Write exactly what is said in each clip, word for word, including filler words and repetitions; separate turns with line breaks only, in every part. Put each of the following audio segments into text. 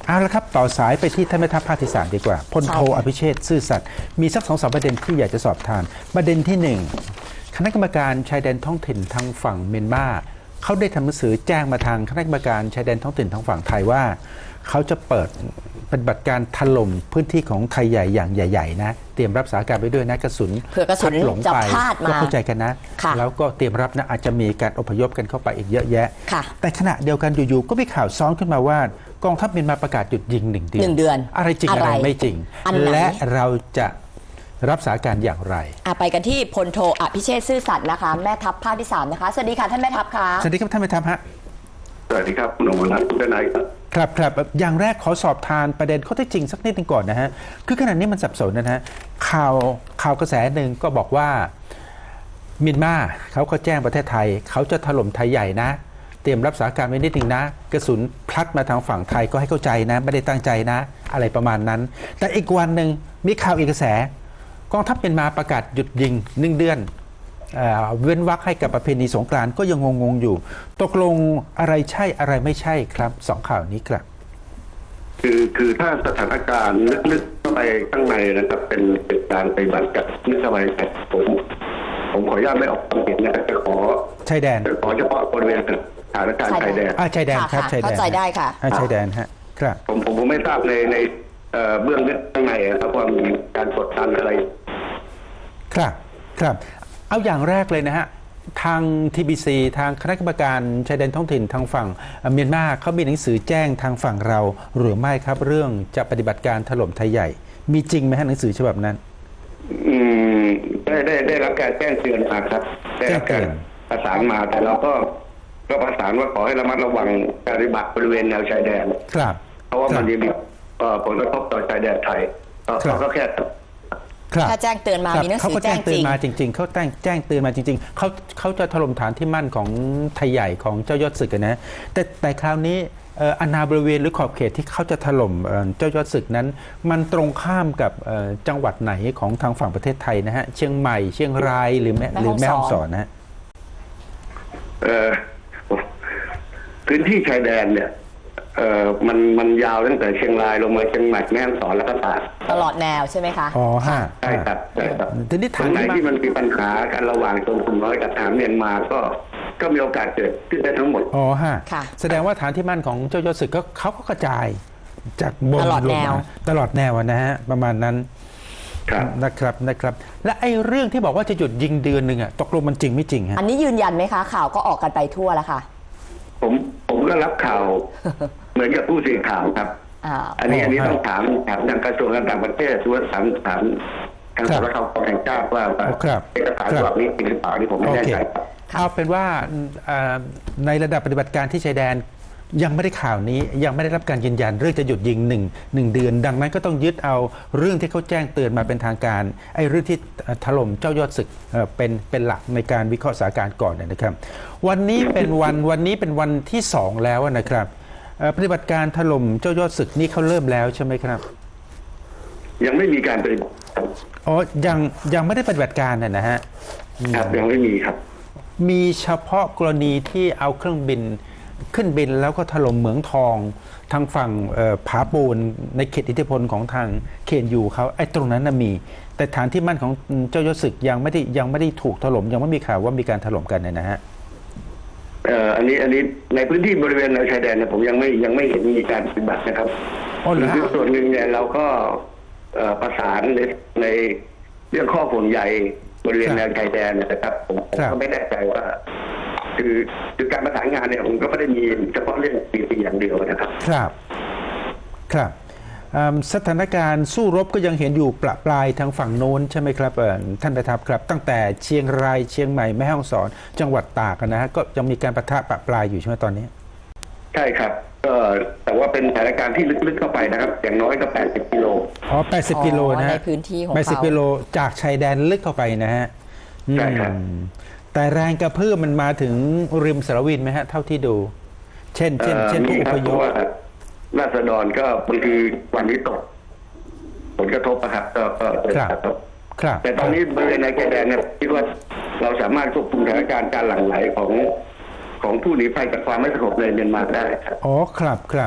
เอาละครับต่อสายไปที่ท่านแม่ทัพภาคที่สามดีกว่าพลโทอภิเชษฐ์ซื่อสัตย์มีสักสองสามประเด็นที่อยากจะสอบทานประเด็นที่หนึ่งคณะกรรมการชายแดนท้องถิ่นทางฝั่งเมียนมาเขาได้ทำหนังสือแจ้งมาทางคณะกรรมการชายแดนท้องถิ่นทางฝั่งไทยว่าเขาจะเปิดปฏิบัติการถล่มพื้นที่ของไทยใหญ่อย่างใหญ่ๆนะเตรียมรับสถานการณ์ไปด้วยนะกระสุน
เผื่อกระสุน
หลง
จะ
ไป
พลาดมา
ก็เข้าใจกันนะ
ค่ะ
แล้วก็เตรียมรับนะอาจจะมีการอพยพกันเข้าไปอีกเยอะแยะ
ค่ะ
แต่ขณะเดียวกันอยู่ๆก็มีข่าวซ้อนขึ้นมาว่ากองทัพเมียนมาประกาศหยุดยิงหนึ่งเดือน
หนึ่งเดือน
อะไรจริง
อะไร
อะไรไม่จริง
อันไหน
และเราจะรับสถานการณ์อย่างไร
อ่ะไปกันที่พลโทอภิเชษฐ์ซื่อสัตย์นะคะแม่ทัพภาคที่สามนะคะสวัสดีค่ะท่านแม่ทัพค่ะ
สวัสดีครับท่านแม่ทัพฮะ
สวัสดีครับคุณอมรรัตน์คุณนายครับ
ครับครับอย่างแรกขอสอบทานประเด็นข้อเท็จจริงสักนิดหนึงก่อนนะฮะคือขณะนี้มันสับสนนะฮะข่าวข่าวกระแสหนึ่งก็บอกว่าเมียนมาเขาก็แจ้งประเทศไทยเขาจะถล่มไทยใหญ่นะเตรียมรับสถานการณ์ไว้นิดหนึ่งนะกระสุนพลัดมาทางฝั่งไทยก็ให้เข้าใจนะไม่ได้ตั้งใจนะ อะไรประมาณนั้น แต่อีกวันหนึ่งมีข่าวอีกกระแสกองทัพเมียนมาประกาศหยุดยิงหนึ่งเดือนเอ่อเว้นวรรคให้กับประเพณีสงกรานต์ก็ยังงงๆอยู่ ตกลงอะไรใช่อะไรไม่ใช่ครับสองข่าวนี้ครับ
คือคือถ้าสถานการณ์ลึกๆเข้าไปข้างในนะครับเป็นเป็นการปฏิบัติกับนิสบายแต่ผมผมขออนุญาตไม่ออกความเห็นนะจะขอ
ชายแดน
จะขอเฉพาะบริเวณสถานการณ์ชายแดน
อ่าชายแดนครับ
ค่ะ
ชายแดน
เข้าใจได้ค่ะ
อ่าชายแดนฮะครับ
ผมผมผมไม่ทราบในในเอ่อเบื้องลึกข้างในนะครับว่ามีการกดดันอะไร
ครับครับเอาอย่างแรกเลยนะฮะทาง ที บี ซี ทางคณะกรรมการชายแดนท้องถิ่นทางฝั่งเมียนมาเขามีหนังสือแจ้งทางฝั่งเราหรือไม่ครับเรื่องจะปฏิบัติการถล่มไทยใหญ่ มีจริงไหมฮะหนังสือฉบับนั้น
อืมได้ได้ได้รับการแจ้งเตือนมาครับได้รับการประสานมาแต่เราก็ก็ประสานว่าขอให้ระมัดระวังการปฏิบัติบริเวณแนวชายแดน
ครับ
เพราะว่า
ครั
มั
บ
นจะมีเอ่อผลกระทบต่อชายแดนไทยก็
ครับ
ก็แค่
ครับ
ถ้าแจ้งเตือนมา
ครับ
มีหนัง
เขา
สือ
ก็
แจ้
แจ้
ง
งเตื
จ
อน
ริง
มาจริง ๆเขาแจ้งแจ้งเตือนมาจริง ๆเขาเขาจะถล่มฐานที่มั่นของไทยใหญ่ของเจ้ายอดศึกอะนะแต่แต่คราวนี้เอ่ออาณาบริเวณหรือขอบเขตที่เขาจะถล่มเอ่อเจ้ายอดศึกนั้น มันตรงข้ามกับเอ่อจังหวัดไหนของทางฝั่งประเทศไทยนะฮะเชียงใหม่เชียงรายหรือแม่
แม่
หรือแม่
ฮ่
ฮ่อ
อง ง
ส
ส
อ
อน น
นะฮะ
เอ่อพื้นที่ชายแดนเนี่ยเอ่อมันมันยาวตั้งแต่เชียงรายลงมาเชียงใหม่แม่ฮ่องสอนแล้วก็ตาก
ตลอดแนวใช่ไหมคะ
อ๋อฮะ
ใช่ครับใช่ครับ
ทีนี้
ตร
ถาม
งไหน
ที่มา
ที่มันมีปัญหากันระหว่างชนกลุ่มน้อยกับทหารเมียนมาก็ก็มีโอกาสเกิดขึ้นได้ทั้งหมด
อ๋อฮะ
ค่ะ
แสดงว่าฐานที่มั่นของเจ้ายอดศึกก็เขาก็กระจายจากบน
ตลอด
ล
แน
ง
ว
มาตลอดแนวอะนะฮะประมาณนั้น
ครับ
นะครับนะครับ และไอ้เรื่องที่บอกว่าจะหยุดยิงเดือนหนึ่งอะตกลงมันจริงไม่จริงฮะ
อันนี้ยืนยันไหมคะ ข่าวก็ออกกันไปทั่วแล้วค่ะ
ผมผมก็รับข่าว เหมือนกับผู้สื่อข่าวครับ
อ่า
อันนี้
อ๋อ
อันนี้
ฮะ
ต้องถามถามทางกระทรวงการต่างประเทศหรือว่าถามถามทาง
ครั
ส
บ
ำนักข่าวแห่งชาติว่าว่า
ครับ
เอกสารฉบับนี้จริงหรือเปล่านี่ผมไม่
โอ
แน่
เค
ใจครับ
เอาเป็นว่าเอ่อในระดับปฏิบัติการที่ชายแดนยังไม่ได้ข่าวนี้ยังไม่ได้รับการยืนยันเรื่องจะหยุดยิงหนึ่งหนึ่งเดือน ดังนั้นก็ต้องยึดเอาเรื่องที่เขาแจ้งเตือนมาเป็นทางการไอ้เรื่องที่ถล่มเจ้ายอดศึกเอ่อเป็นเป็นหลักในการวิเคราะห์สถานการณ์ก่อนนะครับ วันนี้เป็นวันวันนี้เป็นวันที่สองแล้วนะครับเอ่อปฏิบัติการถล่มเจ้ายอดศึกนี่เขาเริ่มแล้วใช่ไหมครับ
ยังไม่มีการปฏิบัติ
อ๋อยังยังไม่ได้ปฏิบัติการนะนะฮะ
ครับยังไม่มีครับ
มีเฉพาะกรณีที่เอาเครื่องบินขึ้นบินแล้วก็ถล่มเหมืองทองทางฝั่งเอ่อผาปูนในเขตอิทธิพลของทางเคนยูเขาไอ้ตรงนั้นนะมี แต่ฐานที่มั่นของเจ้ายศศึกยังไม่ได้ยังไม่ได้ถูกถล่มยังไม่มีข่าวว่ามีการถล่มกันเนี่ยนะฮะ
เอ่ออันนี้อันนี้ในพื้นที่บริเวณแนวชายแดนเนี่ยผมยังไม่ยังไม่เห็นมีการปฏิบัตินะครับ
อ๋อเหรอฮะ
คือส่วนหนึ่งเนี่ยเราก็เอ่อประสานในในเรื่องข้อห่วงใยบริเวณแนวชายแดนนะครับผมผมก็ไม่แน่ใจว่า คือคือการประสานงานเนี่ยผมก็ไม่ได้มีเฉพาะเรื่องปีปีอย่างเดียวนะครับ
ครับครับเอิ่มสถานการณ์สู้รบก็ยังเห็นอยู่ประปรายทางฝั่งโน้นใช่ไหมครับเอ่อท่านประทับครับ ตั้งแต่เชียงรายเชียงใหม่แม่ฮ่องสอนจังหวัดตากนะฮะก็ยังมีการปะทะประปรายอยู่ใช่ไหมตอนนี้
ใช่ครับก็แต่ว่าเป็นสถานการณ์ที่ลึกๆเข้าไปนะครับ อย่างน้อยก็แปดสิบกิโล
อ๋อแปดสิบกิโลนะฮะ
ในพื้นที่ของ
แปดสิบ
เขา
กิโลจากชายแดนลึกเข้าไปนะฮะ
ใช่ครับ
อืมแต่แรงกระเพื่อมมันมาถึงริมสารวินไหมฮะ เท่าที่ดู เช่น เช่น เช่นผู้
มี
อ
ค
พ
รับ
ย
เพ
พ
ราะว่าราษฎรก็บางทีวันนี้ตก ผลกระทบนะครับก็ก็เกิด
ครับ
กระทบ
ครับ
แต่ตอนนี้บริเวณในชายแดนเนี่ยคิดว่าเราสามารถควบคุมสถานการณ์การหลั่งไหลของของผู้หนีภัยจากความไม่สงบในเมียนมาได้ครับ
อ๋อครับครับ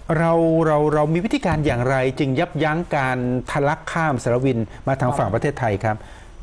เราเราเรามีวิธีการอย่างไรจึงยับยั้งการทะลักข้ามสารวินมาทางฝั่งประเทศไทยครับ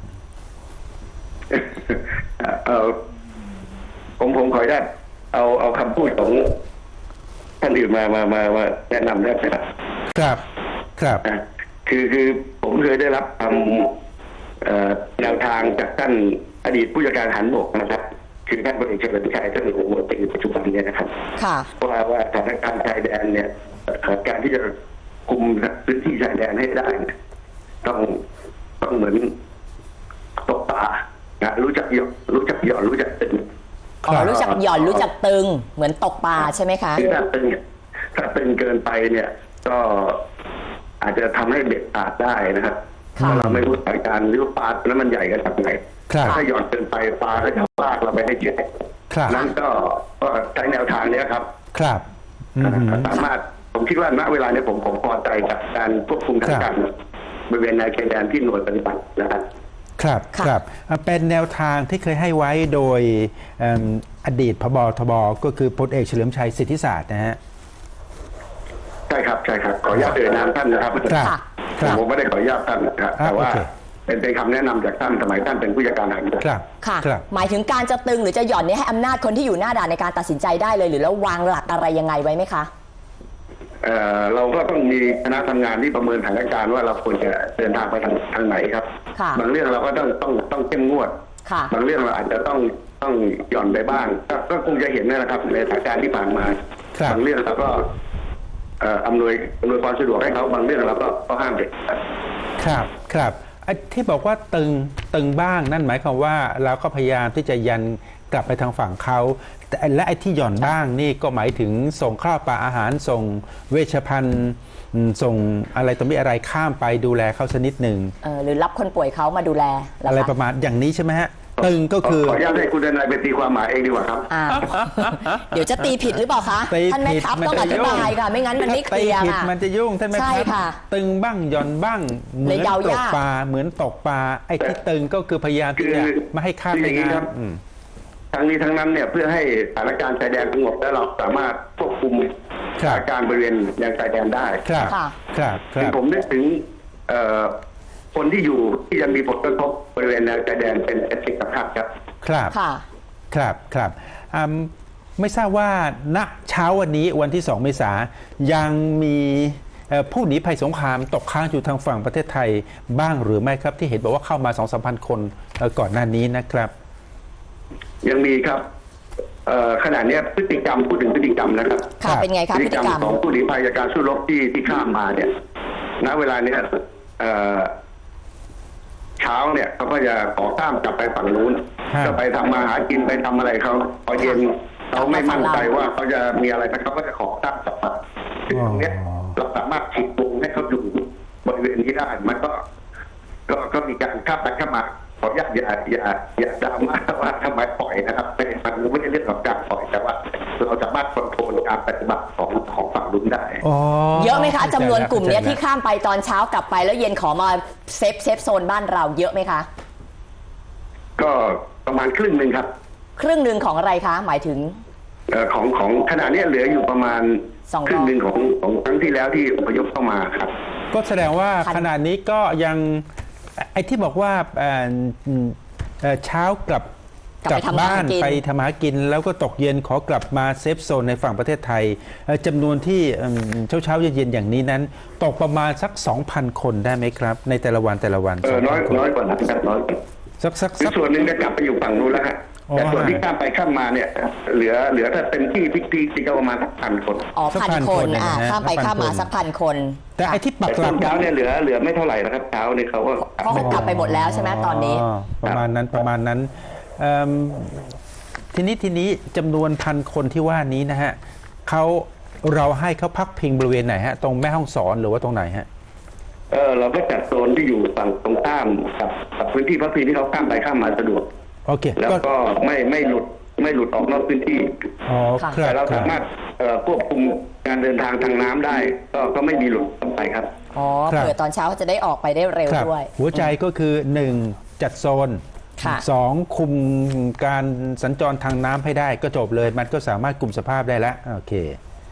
เออผมผมขออนุญาตเอาเอาคำพูดของท่านอื่นมามามามาแนะนำได้ไหมครับ
ครับครับ
อ่ะคือคือผมเคยได้รับคำเอ่อแนวทางจากท่านอดีตผู้จัดการทหารบกนะครับ คือท่านพลเอกเฉลิมชัยท่านหัวหมวดในปัจจุบันเนี่ยนะครับ
ค่ะ
ว่าว่าสถานการณ์ชายแดนเนี่ยเอ่อการที่จะคุมพื้นที่ชายแดนให้ได้เนี่ยต้องต้องเหมือนตกปลานะรู้จักหย่อนรู้จักหย่อนรู้จักตึง
อ๋อ รู้จักหย่อนรู้จักตึง เหมือนตกปลาใช่ไหมคะ
คือถ้าตึงถ้าตึงเกินไปเนี่ย ก็อาจจะทำให้เบ็ดขาดได้นะครับ
ค่ะ
เพราะเราไม่รู้สถานการณ์หรือว่าปลาตัวนั้นมันใหญ่กันจากไหน
ครับ
ถ้าหย่อนเกินไปปลาก็จะลากเราไปให้เจ็บ
ครับ
นั้นก็ก็ใช้แนวทางเนี้ยครับ
ครับอืม
สามารถผมคิดว่าณเวลาเนี้ผมผมพอใจกับการควบคุมทางการบริเวณแนวชายแดนที่หน่วยปฏิบัตินะครับ
ครับ
ค่ะ
ครับอ่ะเป็นแนวทางที่เคยให้ไว้โดยเอิ่มอดีตพบทบก็คือพลเอกเฉลิมชัยสิทธิศาสตร์นะฮะ
ใช่ครับใช่ครับขออนุญาตเอ่ยนามท่านนะครับ
ครับ
ค่ะ
ครับ
ผมไม่ได้ขออนุญาตท่านนะครับแต่ว่า
โอเค
เป็นเป็นคำแนะนำจากท่านสมัยท่านเป็นผู้จัดการทหารบก
ครับ
ค่ะ
ครับ
หมายถึงการจะตึงหรือจะหย่อนเนี่ยให้อำนาจคนที่อยู่หน้าด่านในการตัดสินใจได้เลย หรือแล้ววางหลักอะไรยังไงไว้ไหมคะ
เอ่อเราก็ต้องมีคณะทำงานที่ประเมินสถานการณ์ว่าเราควรจะเดินทางไปทางทางไหนครับ
ค่ะ
บางเรื่องเราก็ต้องต้องต้องเข้มงวด
ค่ะ
บางเรื่องเราอาจจะต้องต้องหย่อนไปบ้างก็ก็คงจะเห็นนะครับในสถานการณ์ที่ผ่านมา
ครับ
บางเรื่องเราก็เอ่ออำนวยอำนวยความสะดวกให้เขาบางเรื่องเราก็ก็ห้ามเด็กครับ
ครับครับไอ้ที่บอกว่าตึงตึงบ้างนั่นหมายความว่าเราก็พยายามที่จะยันกลับไปทางฝั่งเขาแต่และไอ้ที่หย่อนบ้างนี่ก็หมายถึงส่งข้าวปลาอาหารส่งเวชภัณฑ์อืมส่งอะไรต่อมีอะไรข้ามไปดูแลเขาสักนิดหนึ่ง
เออหรือรับคนป่วยเขามาดูแลเห
อะไร
ค
ประมาณอย่างนี้ใช่ไหมฮะตึงก็คือ
ขออนุญาตให้คุณทนายไปตีความหมายเองดีกว่าครับ
อ่า เดี๋ยวจะตีผิดหรือเปล่าคะ
ตี
ท่านแม่
ผิด
ทัพ
มัน
ต้องอ
จะ
ธิ
ยุ่ง
บายค่ะ ไม่งั้นมันไม่เคลียร์
ถ้าตีผิด
ค่ะ
มันจะยุ่งท่านไหม
ใช่
ครับ
ค่ะ
ตึงบ้างหย่อนบ้างเหมื
เลย
อน
เดา
ตก
ยาก
ปลาเหมือนตกปลาไอ้ที่ตึงก็คือพยายามที่จะ
คือ
ไม่ให้ข้าม
คือ
ไป
อย่างนี้ครับ
น้ำอืม
ทั้งนี้ทั้งนั้นเนี่ยเพื่อให้สถานการณ์ชายแดนสงบและเราสามารถควบคุมส
ครั
ถา
บ
นการณ์บริเวณแนวชายแดนได้
ครับ
ค่ะ
ครับค
คือ
รับ
ผมนึกถึงเอ่อคนที่อยู่ที่ยังมีผลกระทบบริเวณแนวชายแดนเป็นเอฟเฟกต์ครับครับ
ครับ
ค่ะ
ครับครับอืมไม่ทราบว่าณเช้าวันนี้วันที่สองเมษายังมีเอ่อผู้หนีภัยสงครามตกค้างอยู่ทางฝั่งประเทศไทยบ้างหรือไม่ครับที่เห็นบอกว่าเข้ามาสองสามพันคนเอ่อก่อนหน้านี้นะครับ
ยังมีครับเอ่อขณะเนี้ยพฤติกรรมพูดถึงพฤติกรรมนะครับ
ค่ะ เป็นไงคะ
พ
พ
ฤ
ฤ
ติ
ติ
กรรม
กรรม
ของผู้หนีภัยจากการสู้รบที่ที่ข้ามมาเนี่ย ณเวลาเนี้ยเอ่อเช้าเนี่ยเขาก็จะขอข้ามกลับไปฝั่งนู้น
ฮะ
ก็ไปทำมาหากินไปทำอะไรเขาพอเย็นเขาไม่มั่นใจว่าเขาจะมีอะไรนะเขาก็จะขอข้ามกลับมาซึ่งตรงเนี้ยเราสามารถฉีกวงให้เขาอยู่บริเวณนี้ได้ มันก็ ก็ก็มีการข้ามไปข้ามมาขออนุญาตอย่าอย่าอย่าดราม่าว่าทำไมปล่อยนะครับไม่มันไม่ใช่เรื่องของการปล่อยแต่ว่า เราสามารถควบคุมการปฏิบัติของของฝั่งนู้นได้
อ๋อ
เยอะไหมคะจำนวนกลุ่มเนี้ย
ข้าใจ
ที่ข้ามไปตอนเช้ากลับไปแล้วเย็นขอมาเซฟเซฟโซนบ้านเราเยอะไหมคะ
ก็ประมาณครึ่งหนึ่งครับ
ครึ่งหนึ่งของอะไรคะ หมายถึง
เอ่อของของขณะเนี้ยเหลืออยู่ประมาณ
สองร้อย
ครึ่งหนึ่งของของครั้งที่แล้วที่อพยพเข้ามาครับ
ก็แสดงว่า
พัน
ขณะนี้ก็ยังไอ้ที่บอกว่าเอ่อเอ่อเช้ากลับ
กลับไปทำมาหา
บ้าน
กิน
ไปทำมาหากิน แล้วก็ตกเย็นขอกลับมาเซฟโซนในฝั่งประเทศไทยเอ่อจำนวนที่เช้าเช้าๆเย็นๆอย่างนี้นั้น ตกประมาณสัก สองพัน คนได้ไหมครับ ในแต่ละวันแต่ละวัน
เออน้อย
สงพัค
น้อยกว่านั้นครับน้อยกว่า
สักสัก
คือ
สัก
ส่วนหนึ่งจะกลับไปอยู่ฝั่งนู้นแล้วฮะ
อ๋อ
แต่ส่วนที่ข้ามไปข้ามมาเนี่ย เหลือเหลือถ้าเต็มที่พิกพีที่ก็ประมาณสักพันคน
อ๋อ
สัก
พัน
พัน
ค
คน น
อ่า
นะฮะ
ข้ามไป
พัน
ข้ามมา
คน
สักพันคน
แต่ไอ้ที่ปัก
แต่
ห
ช่
ลั
ว
ก
งเช้าเนี่ยเหลือเหลือไม่เท่าไหร่นะครับเช้าเนี่ยเขาก็
เขาก็กลับไปหมดแล้วใช่ไหมตอนนี้
ประมาณนั้นประมาณนั้นเอิ่มทีนี้ทีนี้จำนวนพันคนที่ว่านี้นะฮะเขาเราให้เขาพักพิงบริเวณไหนฮะตรงแม่ห้องสอนหรือว่าตรงไหนฮะ
เออเราก็จัดโซนที่อยู่ฝั่งตรงข้ามกับกับพื้นที่พักพิงที่เขาข้ามไปข้ามมาสะดวก
โอเค
แล้วก็ไม่ไม่หลุดไม่หลุดออกนอกพื้นที่
อ๋อ
ค่ะ
ครั
แต่
บ
เรา
ครั
สา
บ
มารถเอ่อควบคุมการเดินทางทางน้ำได้ ก็ก็ไม่มีหลุดออกไปครับ
อ๋อ
ครับ
เผื่อตอนเช้าจะได้ออกไปได้เร็ว
ครับ
ด้วย
หัวใจก็คือหนึ่งจัดโซน
ค่ะ
สองคุมการสัญจรทางน้ำให้ได้ก็จบเลย มันก็สามารถกลุ่มสภาพได้แล้วโอเค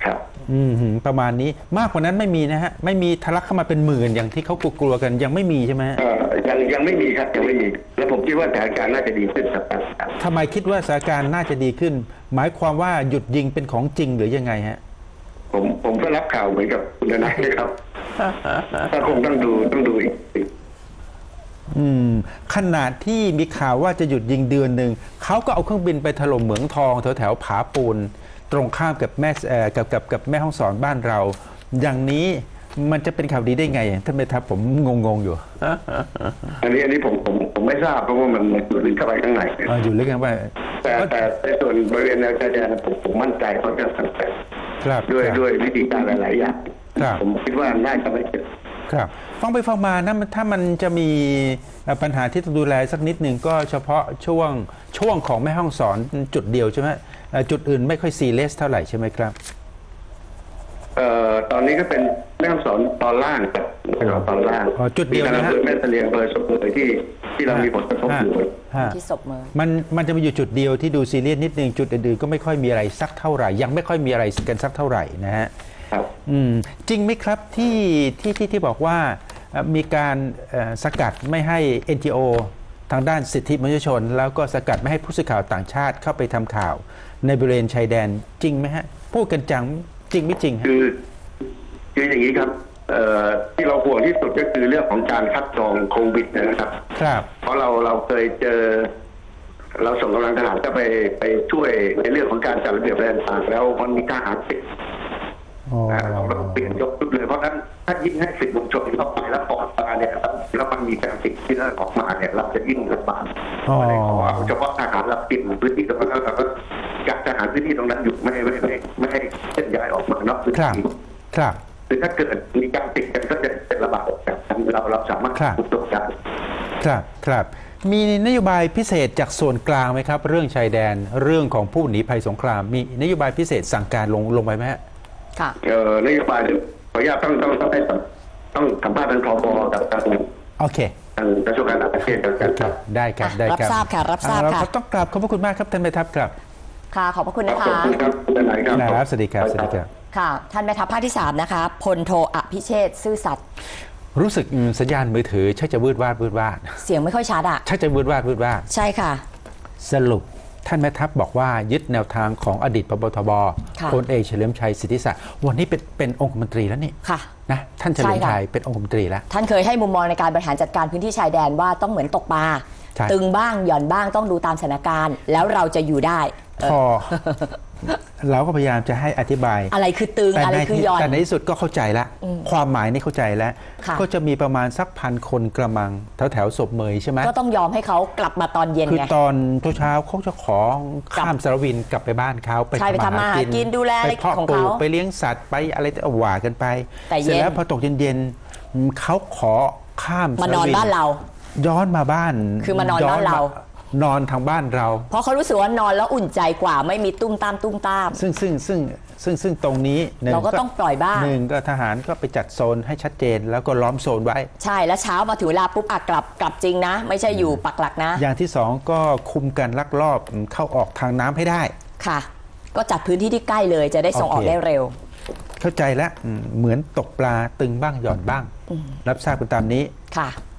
ครับ
อืมหืมประมาณนี้มากกว่านั้นไม่มีนะฮะไม่มีทะลักเข้ามาเป็นหมื่นอย่างที่เขากลัวๆกันยังไม่มีใช่ไหมฮะ
เอ่อยังยังไม่มีครับยังไม่มี แล้วผมคิดว่าสถานการณ์น่าจะดีขึ้นครับครับ
ทำไมคิดว่าสถานการณ์น่าจะดีขึ้น หมายความว่าหยุดยิงเป็นของจริงหรือยังไงฮะ
ผมผมก็รับข่าวเหมือนกับคุณนายครับ ถ้าคงต้องดูต้องดูอีกที
อืมขนาดที่มีข่าวว่าจะหยุดยิงเดือนหนึ่งเขาก็เอาเครื่องบินไปถล่มเหมืองทองแถวแถวผาปูนตรงข้ามกับแม่เอ่อกับกับกับแม่ห้องสอนบ้านเรา อย่างนี้มันจะเป็นข่าวดีได้ไงท่านเมทัพผมงงๆอยู่
อันนี้อันนี้ผมผมผมไม่ทราบเพราะว่ามันมันอยู่ลึกเข้าไปข้างใน
เอออยู่ลึกกันว่า
แต่แต่ในส่วนบริเวณแนวชายแดนผมผมมั่นใจเขาจะสังเกต
ครับ
ด้วย
ครับ
ด้วยวิธีการหลายๆอย่าง
ครับ
ผมคิดว่าน่าจะไม่เกิด
ครับฟังไปฟังมานะมันถ้ามันจะมีเอ่อปัญหาที่ต้องดูแลสักนิดหนึ่งก็เฉพาะช่วงช่วงของแม่ห้องสอนจุดเดียวใช่ไหมเอ่อจุดอื่นไม่ค่อยซีเรียสเท่าไหร่ใช่ไหมครับ
เอ่อตอนนี้ก็เป็นแม่ฮ่องสอนตอนล่างครับแม่ฮ่องสอนตอนล่าง
อ๋อจุดเดียวนะฮะ
มีการอำเภอแม่เสลียงอำเภอสมเด็จที่ที่เรามีผลกระทบอยู่
ฮะ
ที่ศพเมือง
มันมันจะมีอยู่จุดเดียวที่ดูซีเรียสนิดนึงจุดอื่นๆก็ไม่ค่อยมีอะไรสักเท่าไหร่ ยังไม่ค่อยมีอะไรกันสักเท่าไหร่นะฮะ
ครับ
อืมจริงไหมครับที่ที่ที่ที่บอกว่าเอ่อมีการเอ่อสกัดไม่ให้ เอ็น จี โอ ทางด้านสิทธิมนุษยชน แล้วก็สกัดไม่ให้ผู้สื่อข่าวต่างชาติเข้าไปทำข่าว ในบริเวณชายแดนจริงไหมฮะพูดกันจังจริงไม่จริงฮะ
คือคืออย่างนี้ครับเอ่อที่เราห่วงที่สุดก็คือเรื่องของการคัดกรองโควิดนะครับ
ครับ
เพราะเราเราเคยเจอ เราส่งกำลังทหารก็ไปไปช่วยในเรื่องของการจัดระเบียบแรงต่างแล้วมันมีทหารติด
อ๋อ
เราเราเปลี่ยนยกชุดเลยเพราะฉะนั้นถ้ายิ่งให้สิทธิมนุษยชนเข้าไปแล้วปลอดภัยเนี่ยครับแล้วมันมีการติดที่นั่นออกมาเนี่ยเราจะยิ่งลำบาก
อ๋อ
เฉพาะทหารเราปิดพื้นที่ตรงนั้นแล้วเราก็จัดทหารพื้นที่ตรงนั้นอยู่ไม่ไม่ไม่ไม่ให้เคลื่อนย้ายออกมานอกพื้น
ครับ
ที่
ครับ
คือถ้าเกิดมีการติดกันก็จะเป็นระบาดแบบนั้นเราเราสามารถ
ครับ
ควบคุมได้
ครับครับมีนโยบายพิเศษจากส่วนกลางไหมครับ เรื่องชายแดนเรื่องของผู้หนีภัยสงคราม มีนโยบายพิเศษสั่งการลงลงไปไหมฮะ
ค่ะ
เอ่อนโยบายขออนุญาตต้องต้องต้องให้สัมต้องสัมภาษณ์ทางพบกับทาง
โอเค
ทางกระทรวงการต่างประเทศกันกันครับ
ได้ครับ
อ่ะ
ได้ครับ
รับทราบค่ะรับทราบ
เอ่อ
ค่ะ
เราต้องกราบขอบพระคุณมากครับท่านแม่ทัพครับ
ค่ะ ขอบพระคุณ
ข
นะ
อบ
คะ
คุณครับคุณนายครับ
ครับสวัสดีครับสวัสดีครับ
ค่ะ ท่านแม่ทัพภาคที่สามนะคะพลโทอภิเชษฐ์ซื่อสัตย์
รู้สึกอืมสัญญาณมือถือชักจะวืดวาดวืดวาด
เสียงไม่ค่อยชัดอ่ะ
ชักจะวืดวาดวืดวาด
ใช่ค่ะ
สรุปท่านแม่ทัพบอกว่ายึดแนวทางของอดีตพบทบ
ค่ะ
พลเอกเฉลิมชัยสิทธิศักดิ์วันนี้เป็นเป็นองคมนตรีแล้วนี่
ค่ะ
นะท่านเฉลิม
ใช่ค่ะ
ชัยเป็นองคมนตรีแล้ว
ท่านเคยให้มุมมองในการบริหารจัดการพื้นที่ชายแดนว่าต้องเหมือนตกปลา
ใช่
ตึงบ้างหย่อนบ้างต้องดูตามสถานการณ์ แล้วเราจะอยู่ได้
พอ เราก็พยายามจะให้อธิบาย
อะไรคือตึง
แต่
อะไร
ใน
คือ
ที่
หย่อน
แต่ในที่สุดก็เข้าใจแล้ว ความหมายนี่เข้าใจแล้ว
ค่ะ
ก็จะมีประมาณสักพันคนกระมังแถวแถวๆศพเมยใช่ไหม
ก็ต้องยอมให้เขากลับมาตอนเย็น
คือ
ไง
ตอนเช้าๆเขาจะขอข้ามสารวินกลับไปบ้านเขาไป
ใช่ไปทำมาหากินดูแลอะไร
ไปเพาะ
ของ
ปลู
เขา
กไปเลี้ยงสัตว์ไปอะไรเอาว่ากันไป
แต่เย็น
เสร็จแล้วพอตกเย็นๆอืมเขาขอข้าม
มานอน
สวิ
บ้านเรา
ย้อนมาบ้าน
คือมานอนบ้านเรา
นอนทางบ้านเรา
เพราะเขารู้สึกว่านอนแล้วอุ่นใจกว่าไม่มีตุ้มตามตุ้มตาม
ซึ่งซึ่งซึ่งซึ่งซึ่งตรงนี้หนึ่
เราก็ต้องปล่อยบ้าง
หนึ่งก็ทหารก็ไปจัดโซนให้ชัดเจน แล้วก็ล้อมโซนไว้
ใช่แล้วเช้ามาถึงเวลาปุ๊บอ่ะกลับกลับจริงนะ ไม่ใช่อยู่ปักหลักนะ
อย่างที่สองก็คุมการลักลอบเข้าออกทางน้ำให้ได้
ค่ะ ก็จัดพื้นที่ที่ใกล้เลยจะได้ส่งออก
โอเค
ได้เร็ว
เข้าใจแล้วอืมเหมือนตกปลาตึงบ้างหย่อนบ้าง รับทราบกันตามนี้
ค่ะ